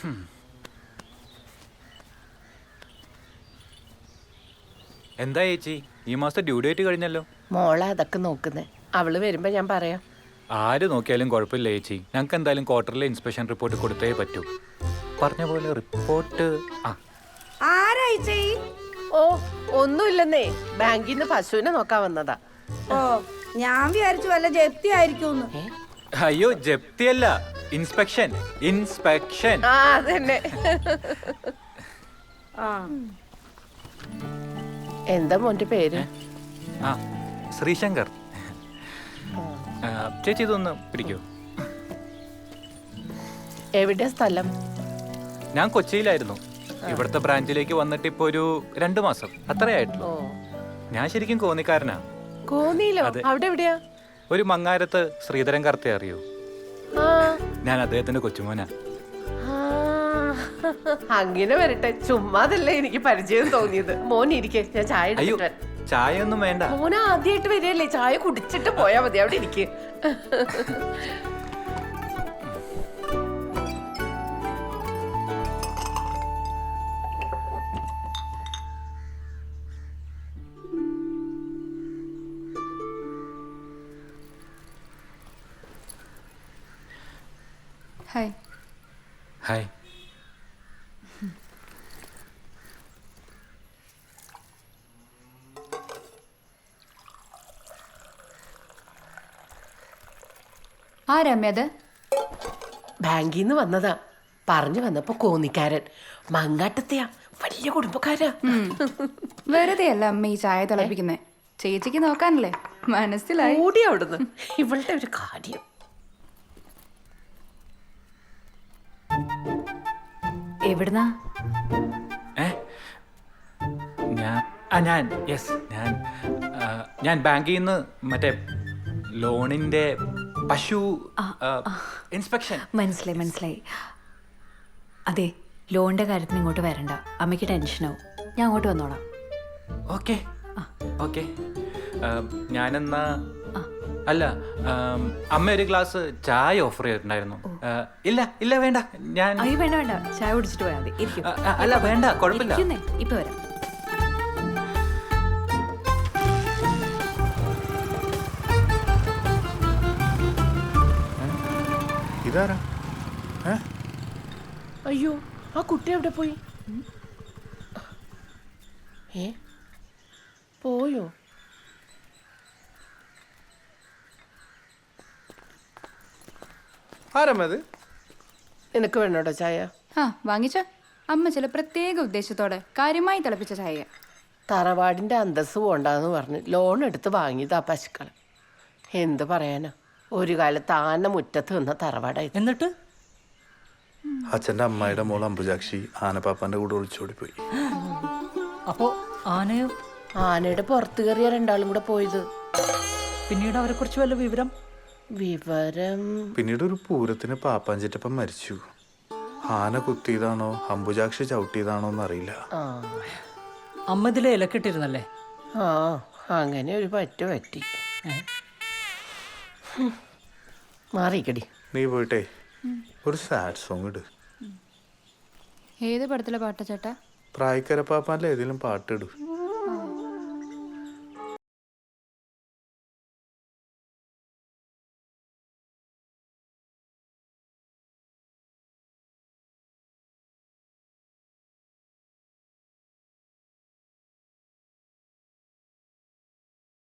എന്താ ചേച്ചി, ഈ മാസത്തെ ഡ്യൂ ഡേറ്റ് കഴിഞ്ഞല്ലോ. മോളെ അതൊക്കെ നോക്കുന്നേ. അവള് വരുമ്പോ ഞാൻ പറയാം. ആര് നോക്കിയാലും കുഴപ്പമില്ല ചേച്ചി. ഞങ്ങൾക്ക് എന്തായാലും ക്വാർട്ടറിലെ ഇൻസ്പെക്ഷൻ റിപ്പോർട്ട് കൊടുത്തേ പറ്റൂ. പറഞ്ഞ പോലെ റിപ്പോർട്ട്. ഓ, ഒന്നുമില്ലെന്നേ, ബാങ്കിൽ നിന്ന് പശുവിനെ നോക്കാൻ വന്നതാ. ഓ, ഞാൻ വിചാരിച്ചു വല്ല ജപ്തി ആയിരിക്കും. അയ്യോ, ജപ്തിയല്ല, ഇൻസ്പെക്ഷൻ. ഇൻസ്പെക്ഷൻ. ആ, അതന്നെ. എന്താ മോന്റെ പേര്? ആ, ശ്രീശങ്കർ. ചേച്ചി ഇതൊന്ന് പിടിക്കൂ. എവിടെ സ്ഥലം? ഞാൻ കൊച്ചിയിലായിരുന്നു. ഇവിടുത്തെ ബ്രാഞ്ചിലേക്ക് വന്നിട്ട് ഇപ്പൊ ഒരു 2 മാസം അത്രയായിട്ടുള്ളൂ. ഞാൻ ശരിക്കും കോന്നിക്കാരനാ. കോന്നിയിലോ? അവിടെ എവിടെയാ? ഒരു മങ്ങാരത്ത് ശ്രീധരൻ കർത്തെ അറിയോ? ഞാൻ അദ്ദേഹത്തിന്റെ കൊച്ചുമോനാ. അങ്ങനെ വരട്ടെ, ചുമ്മാതല്ലേ എനിക്ക് പരിചയം തോന്നിയത്. മോൻ ഇരിക്കെ, ഞാൻ ചായ അയ്യോ, ചായ ഒന്നും വേണ്ട. മോൻ ആദ്യമായിട്ട് വരികയല്ലേ, ചായ കുടിച്ചിട്ട് പോയാ മതി. അവിടെ ഇരിക്കെ. ഹായ്. ഹായ്. ആരമ്യത്? ബാങ്കിൽ നിന്ന് വന്നതാ. പറഞ്ഞു വന്നപ്പോ കോന്നിക്കാരൻ. മങ്ങാട്ടത്തെയാ, വലിയ കുടുംബക്കാരാ. വെറുതെ അല്ല അമ്മ ഈ ചായ തിളപ്പിക്കുന്നേ. ചേച്ചിക്ക് നോക്കാനല്ലേ. മനസ്സിലായി. കൂടി അവിടുന്ന്. ഇവളുടെ ഒരു കാര്യം. എവിടുന്നാ? ഞാൻ ബാങ്കിൽ നിന്ന് മറ്റേ ലോണിന്റെ പശു ഇൻസ്പെക്ഷൻ. മനസ്സിലായി. അതെ, ലോണിന്റെ കാര്യത്തിന് ഇങ്ങോട്ട് വരണ്ട. അമ്മയ്ക്ക് ടെൻഷനാവും. ഞാൻ അങ്ങോട്ട് വന്നോളാം. Okay okay. ഞാനെന്നാ അല്ല, അമ്മ ഒരു ഗ്ലാസ് ചായ ഓഫർ ചെയ്തിട്ടുണ്ടായിരുന്നു. ഇല്ല വേണ്ട, ഞാൻ അയ്യോ വേണ്ട, ചായ കുടിച്ചിട്ട് പോയാൽ മതി. ഇരിക്കും. അല്ല വേണ്ട, കുഴപ്പമില്ല. ഇപ്പൊ വരാം. ഇതാരാ? അയ്യോ, ആ കുട്ടി എവിടെ പോയി? പോയോ? ആരമ്മത്? നിനക്ക് വേണോട്ടോ ചായ? വാങ്ങിച്ച. അമ്മ ചില പ്രത്യേക ഉദ്ദേശത്തോടെ കാര്യമായി തിളപ്പിച്ച ചായ. തറവാടിന്റെ അന്തസ് പോണ്ടെന്ന് പറഞ്ഞ് ലോൺ എടുത്ത് വാങ്ങിയതാ പശുക്കൾ. എന്ത് പറയാനാ, ഒരു കാലത്ത് ആന മുറ്റത്ത് നിന്ന തറവാടായി. എന്നിട്ട് അച്ഛൻ്റെ അമ്മായിയുടെ മോൾ അംബുജാക്ഷി ആനപ്പാപ്പാന്റെ കൂടെ ഒളിച്ചോടി പോയി. അപ്പോ ആനയോ? ആനയുടെ പുറത്ത് കയറിയ 2 കൂടെ പോയത്. പിന്നീട് അവരെ കുറിച്ച് വല്ല വിവരം? പിന്നീട് ഒരു പൂരത്തിന് പാപ്പാഞ്ചിറ്റപ്പം മരിച്ചു. ആന കുത്തിയതാണോ അംബുജാക്ഷി ചവിട്ടിയതാണോ എന്നറിയില്ല. അമ്മ ഇതിലെ ഇലക്കിട്ടിരുന്നല്ലേ? ആ, അങ്ങനെ ഒരു പറ്റി. മാറിക്കടി. നീ പോയിട്ടേ ഒരു സാഡ് സോങ് ഇട്. ഏത് പടത്തിലെ പാട്ടാ ചേട്ടാ? പ്രായക്കര പാപ്പാന്റെ ഏതെങ്കിലും പാട്ട് ഇടൂ.